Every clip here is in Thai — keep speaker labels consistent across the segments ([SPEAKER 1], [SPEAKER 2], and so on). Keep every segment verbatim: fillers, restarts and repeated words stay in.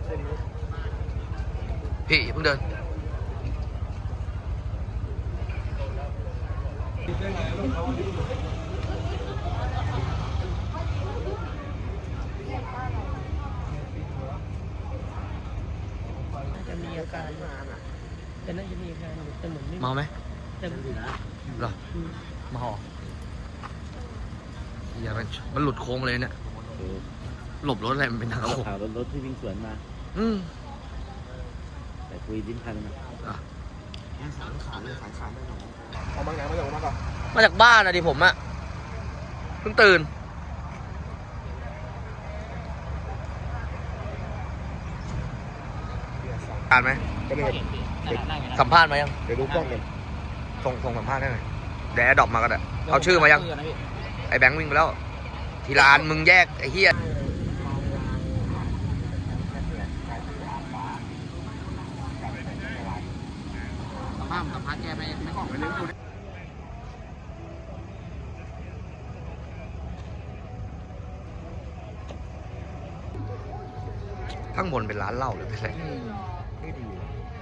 [SPEAKER 1] พี่เพิ่งเดิน
[SPEAKER 2] จะมีอาการจะน่าจะมีอาการแต่เหมือนไม่
[SPEAKER 1] เมาไหม
[SPEAKER 2] แต่เหมือน
[SPEAKER 1] หรอเมาอย่ามันมันหลุดโค้งเลยเนี่ยหลบรถอะไรมันเป็นทางโค้ง
[SPEAKER 3] ข่าวรถที่วิ่งสวนมา
[SPEAKER 1] อืม
[SPEAKER 3] แต่คุยดิ้นพันนะ
[SPEAKER 1] อ่ะ
[SPEAKER 4] สายขาเลยสายขาไม่หนอเอามาไหนมาจากมาก่อน
[SPEAKER 1] มาจากบ้านอะดิผมอะเพิ่งตื่นอ่านไหม
[SPEAKER 4] ก็เลย
[SPEAKER 1] สัมภาษณ์มายัง
[SPEAKER 4] เดี๋ยวดูกล้องกัน
[SPEAKER 1] ส่งส่งสัมภาษณ์ได้ไหมเดี๋ยวแอดดอปมาก็ได้เอาชื่อมายังไอ้แบงค์วิ่งไปแล้ว ทีละอันมึงแยกไอ้เหี้ยสัมภาษณ์สัมภาษณ์แกไม่ไม่กล้องไปเรื่องดูข้างบนเป็นร้านเหล้าหรือเป็นอะไร
[SPEAKER 4] ไม่ดี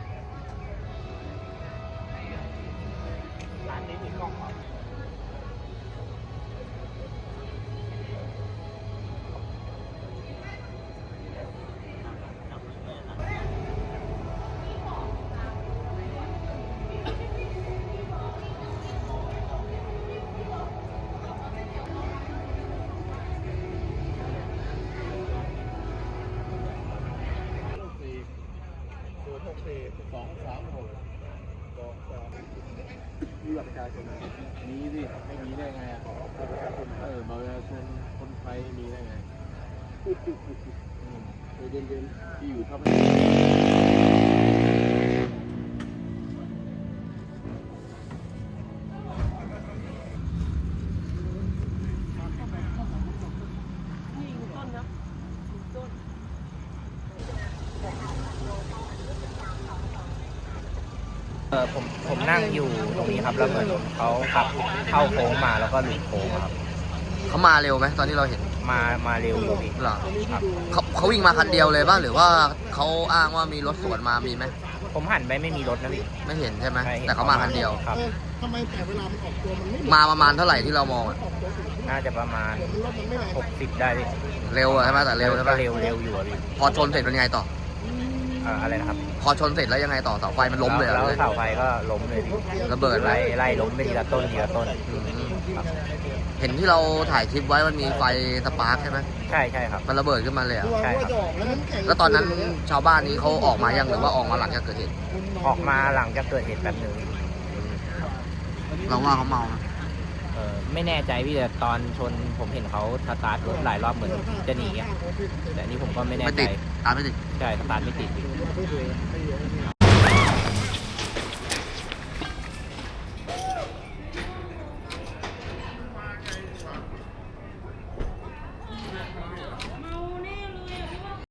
[SPEAKER 4] สองสามหกสองสามมีบัตรประชาชนมีสิไม่มีได้ไงอ่ะบัตรประชาชนเออบัตรประชาชนคนไทยมีได้ไงเดินเดินที่อยู่ทำให้
[SPEAKER 5] เออผมผมนั่งอยู่ตรงนี้ครับแล้วเหมือนเขาขับเข้าโค้งมาแล้วก็หลุดโค้งครับ
[SPEAKER 1] เขามาเร็วไหมตอนที่เราเห็น
[SPEAKER 5] มามาเร็วอยู่พี่
[SPEAKER 1] เหรอ
[SPEAKER 5] ครับ
[SPEAKER 1] เขาเขาวิ่งมาคันเดียวเลยป่ะหรือว่าเขาอ้างว่ามีรถสวนมามีไหม
[SPEAKER 5] ผมหันไปไม่มีรถนะพี่
[SPEAKER 1] ไม่เห็นใช่ไหม
[SPEAKER 5] ใช่ห็น
[SPEAKER 1] แต่เขามาคันเดียว
[SPEAKER 5] ครับ
[SPEAKER 4] ทำไมแต่เวลามันออกตัวมันไม่
[SPEAKER 1] มาประมาณเท่าไหร่ที่เรามองอะ
[SPEAKER 5] น่าจะประมาณ
[SPEAKER 4] รถมันไม่แรง
[SPEAKER 5] หกสิบได้พี่
[SPEAKER 1] เร็วอะใช่ไหมแต่เร็วใช่ไหม
[SPEAKER 5] ก็เร็วเร็วอยู่อะพี่
[SPEAKER 1] พอชนเสร็จเป็นยังไงต่อ
[SPEAKER 5] เอ่ออะไรนะครับ
[SPEAKER 1] พอชนเสร็จแล้วยังไงต่อเสาไฟมันล้มเลยเหร
[SPEAKER 5] แล้
[SPEAKER 1] อ
[SPEAKER 5] วเสาไฟก็ล้มเลยพี่
[SPEAKER 1] ระเบิดไหล
[SPEAKER 5] ไล่ไล่ล้มไปทีละต้นทีละต้น
[SPEAKER 1] อืม
[SPEAKER 5] ครับ
[SPEAKER 1] เห็นที่เราถ่ายคลิปไว้มันมีไฟสปาร์คใช่ไหม
[SPEAKER 5] ใช่ใช่ครับ
[SPEAKER 1] มันระเบิดขึ้นมาเลยอะ
[SPEAKER 5] ใช่ครับ
[SPEAKER 1] แล้วตอนนั้นชาวบ้านนี้เขาออกมายังหรือว่าออกมาหลังจากเกิดเหตุ
[SPEAKER 5] ออกมาหลังจากเกิดเหตุแป๊บหนึง
[SPEAKER 1] เราว่าเขาเมานะ
[SPEAKER 5] เออไม่แน่ใจพี่แต่ตอนชนผมเห็นเขาสตาร์ทรถหลายรอบเหมือนจะหนีอะแต่อันนี้ผมก็ไม่แน่
[SPEAKER 1] ไม่
[SPEAKER 5] ใจ
[SPEAKER 1] ติดตามไม่ติด
[SPEAKER 5] ใช่สตาร์ทไม่ติดพี่